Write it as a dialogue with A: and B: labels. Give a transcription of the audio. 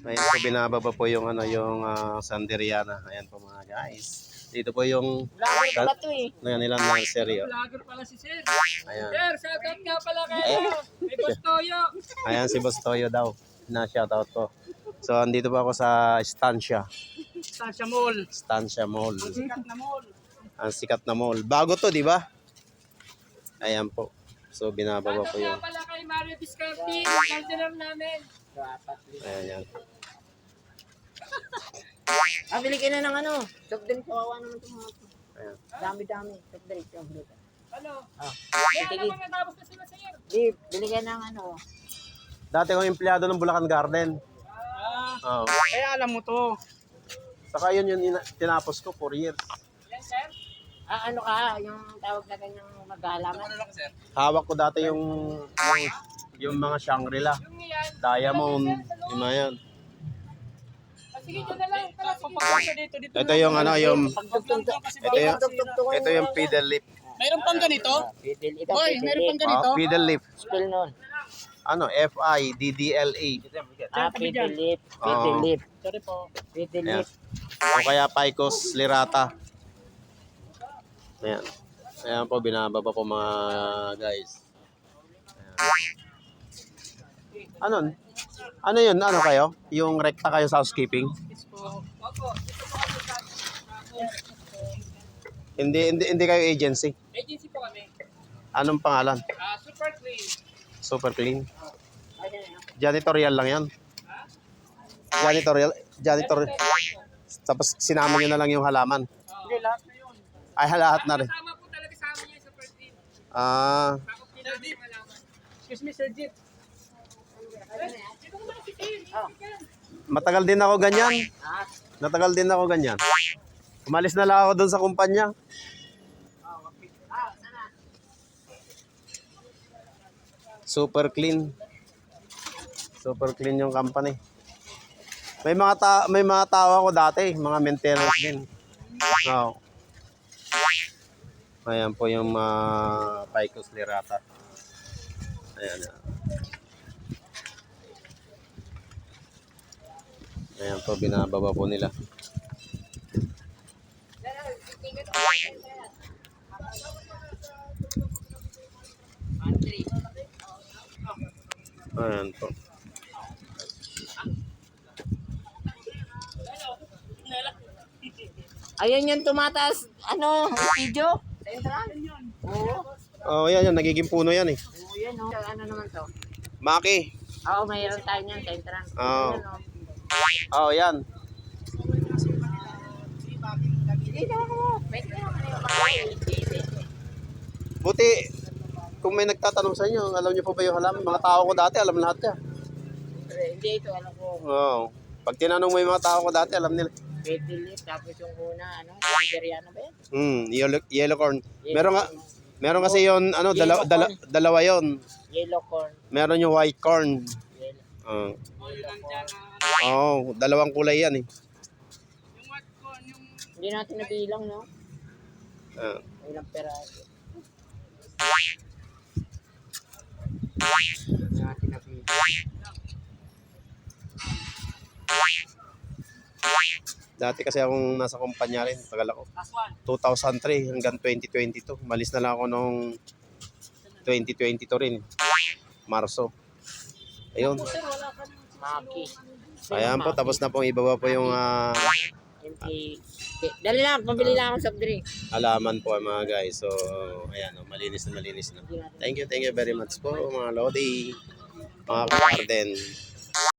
A: Ayan po, binababa po yung ano, yung Sanderiana. Ayan po mga guys. Dito po yung nilang nursery.
B: Vlogger pala si Sir.
A: Ayan.
B: Sir, shoutout nga pala kayo. May Boss Toyo.
A: Ayan si Boss Toyo daw. Na-shoutout ko. So, andito po ako sa Estancia.
B: Estancia Mall.
A: Estancia Mall.
B: Sikat na mall.
A: Ang sikat na mall. Bago to, di ba? Ayan po. So, binababa po
B: Shoutout
A: yung...
B: nga pala kay Mario Viscarti. Counselor namin.
A: Ayan, yan.
C: Bili ka na ng ano, soft drink, kawawa naman itong mga ito.
A: Ayan.
C: Dami-dami, soft drink.
B: Ano?
C: Ah,
B: Kaya
C: sige.
B: naman natapos na sila Sir.
C: Bili ka ng ano.
A: Dati akong empleyado ng Bulacan Garden. Oo.
B: Kaya alam mo to.
A: Saka yun yung tinapos ko 4 years.
B: Yan Sir.
C: Ano ka, yung tawag na ganyang maghalaman.
B: Ano lang Sir?
A: Hawak ko dati yung mga Shangri-La.
B: Yung yan.
A: Diamond. Yung mga yan.
B: Sige, dyan na lang. Tara, pupunta dito.
A: Ito yung ano, yung... Ito yung pedal lift.
B: Mayroon pang ganito?
C: Ito,
B: Boy, mayroon pang ganito?
A: Pedal lift.
C: Spell nun.
A: Ano, F-I-D-D-L-A.
C: Pedal lip.
A: Oo.
C: Pedal lip.
B: Sorry po.
C: Pedal
A: Ayan.
C: lip.
A: O kaya Picos Lirata. Ayan. Ayan po, binababa po mga guys. Ayan. Ano yun? Ano kayo? Yung rekta kayo sa housekeeping? Hindi kayo agency.
B: Agency po kami.
A: Anong pangalan?
B: Super clean.
A: Super clean. Janitorial lang yan. Janitorial. Tapos sinama nyo na lang yung halaman.
B: Hindi, lahat na yun.
A: Ay, lahat na rin.
B: Tama po talaga sa amin yung super clean.
A: Ah,
B: Takot din namin yung malaman. Excuse me, Sir Jeep. Dito ko ba si Sir?
A: matagal din ako ganyan. Natagal din ako ganyan. Umalis na lang ako doon sa kumpanya. Super clean. Super clean yung company. May mga tao ako dati, mga maintenance din. Oh. Ayan po yung Picos Lirata. Ayan. Ayan po, binababa po nila. Ayan po.
C: Ayun yung tumataas, video. Sa entrance. Oo.
A: Oh, yan, nagiging puno yan eh.
C: Oo, yan o. Ano naman to?
A: Maki.
C: Oo, mayroon tayo niyan sa entrance.
A: Oo.
C: Yan, o.
A: Oh, yan.
C: Dito ako. Pwede na naman yung
A: Buti, kung may nagtatanong sa inyo, alam niyo po ba yung halaman? Mga tao ko dati, alam lahat yan.
C: Hindi, ito alam ko.
A: Oo. Pag tinanong mo yung mga tao ko dati, alam nila.
C: Pedal lip, tapos yung una, Siberiano ba yan?
A: Yellow corn. Meron kasi yon dalawa yon.
C: Yellow corn.
A: Meron yung white corn.
C: Yellow.
A: Dalawang kulay yan eh.
B: Yung what ko, yung...
C: Hindi natin nabilang, no?
A: Ah.
C: Ilang peraso. Hindi natin nabilang.
A: Dati kasi akong nasa kumpanya rin, tagal ako.
B: Last one.
A: 2003 hanggang 2022. Malis na lang ako nung 2022 rin. Marso. Ayun.
C: Maki.
A: Ayan po, tapos na pong ibaba po yung
C: Dali lang, pabili lang ako soft drink.
A: halaman po mga guys. So, ayan, malinis na malinis na. Thank you very much po mga Lodi, mga garden.